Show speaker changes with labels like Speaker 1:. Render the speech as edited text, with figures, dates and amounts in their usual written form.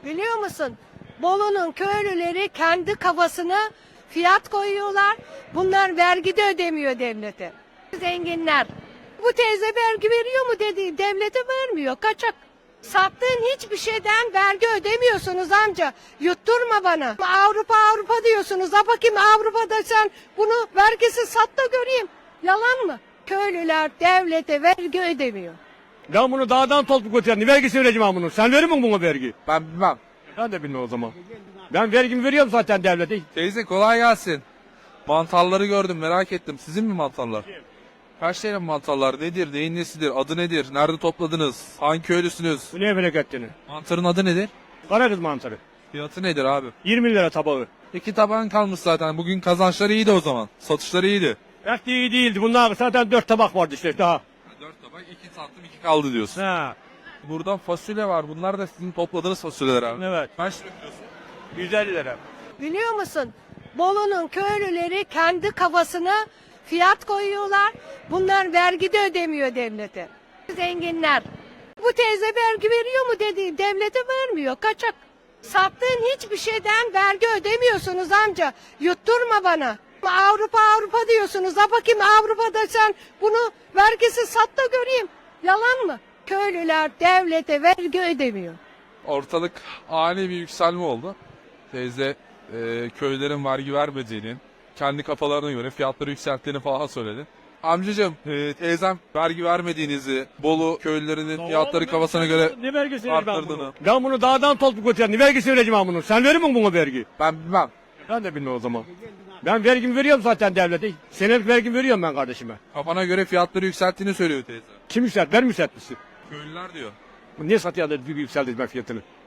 Speaker 1: Biliyor musun? Bolu'nun köylüleri kendi kafasına fiyat koyuyorlar. Bunlar vergi de ödemiyor devlete. Zenginler. Bu teyze vergi veriyor mu dedi. Devlete vermiyor. Kaçak. Sattığın hiçbir şeyden vergi ödemiyorsunuz amca. Yutturma bana. Avrupa diyorsunuz. Ha bakayım Avrupa'da sen bunu vergisiz sat da göreyim. Yalan mı? Köylüler devlete vergi ödemiyor.
Speaker 2: Ben bunu dağdan toplu götürdüm. Vergisi vereceğim ben bunu. Sen verir misin buna vergi?
Speaker 3: Ben bilmem.
Speaker 2: Ben de bilmem o zaman. Ben vergimi veriyorum zaten devlete.
Speaker 3: Teyze kolay gelsin. Mantarları gördüm, merak ettim. Sizin mi mantarlar? Kaç tane mantarlar? Nedir? Neyin nesidir? Adı nedir? Nerede topladınız? Hangi köylüsünüz?
Speaker 2: Bu ne bereketini?
Speaker 3: Mantarın adı nedir?
Speaker 2: Karadeniz mantarı.
Speaker 3: Fiyatı nedir abi?
Speaker 2: 20 lira tabağı.
Speaker 3: 2 tabağın kalmış zaten. Bugün kazançları iyiydi o zaman. Satışları iyiydi.
Speaker 2: Pek de iyi değildi. Bunlar zaten 4 tabak vardı işte daha.
Speaker 3: 4 tabak 2 sattım 2 kaldı diyorsun.
Speaker 2: Ha,
Speaker 3: Buradan fasulye var. Bunlar da sizin topladığınız fasulyeler abi.
Speaker 2: evet.
Speaker 3: Kaç lira kilosu?
Speaker 2: 150 lira.
Speaker 1: Biliyor musun? Bolu'nun köylüleri kendi kafasına fiyat koyuyorlar. Bunlar vergi de ödemiyor devlete. Zenginler. Bu teyze vergi veriyor mu dedi. Devlete vermiyor. Kaçak. Sattığın hiçbir şeyden vergi ödemiyorsunuz amca. Yutturma bana. Avrupa diyorsunuz. Ha bakayım Avrupa'da sen bunu vergisiz sat da göreyim. Yalan mı? Köylüler devlete vergi ödemiyor.
Speaker 3: Ortalık ani bir yükselme oldu. Teyze köylerin vergi vermediğini, kendi kafalarına göre fiyatları yükselttiğini falan söyledi. Amcacığım teyzem vergi vermediğinizi, Bolu köylülerinin fiyatları kafasına göre
Speaker 2: Ne vergisi vereceğim ben
Speaker 3: arttırdığını.
Speaker 2: bunu? Ben bunu dağdan toplu götürdüm. Ne vergisi vereceğim ben bunu? Sen verir misin buna vergi?
Speaker 3: Ben bilmem.
Speaker 2: Ben de bilmem o zaman. Ben vergimi veriyorum zaten devlete. Senelik vergimi veriyorum ben kardeşime.
Speaker 3: Kafana göre fiyatları yükselttiğini söylüyor teyze.
Speaker 2: Kim yükselt? Ben mi yükseltmişsin?
Speaker 3: Köylüler diyor.
Speaker 2: Bu niye satıyor da yükselttirme fiyatını?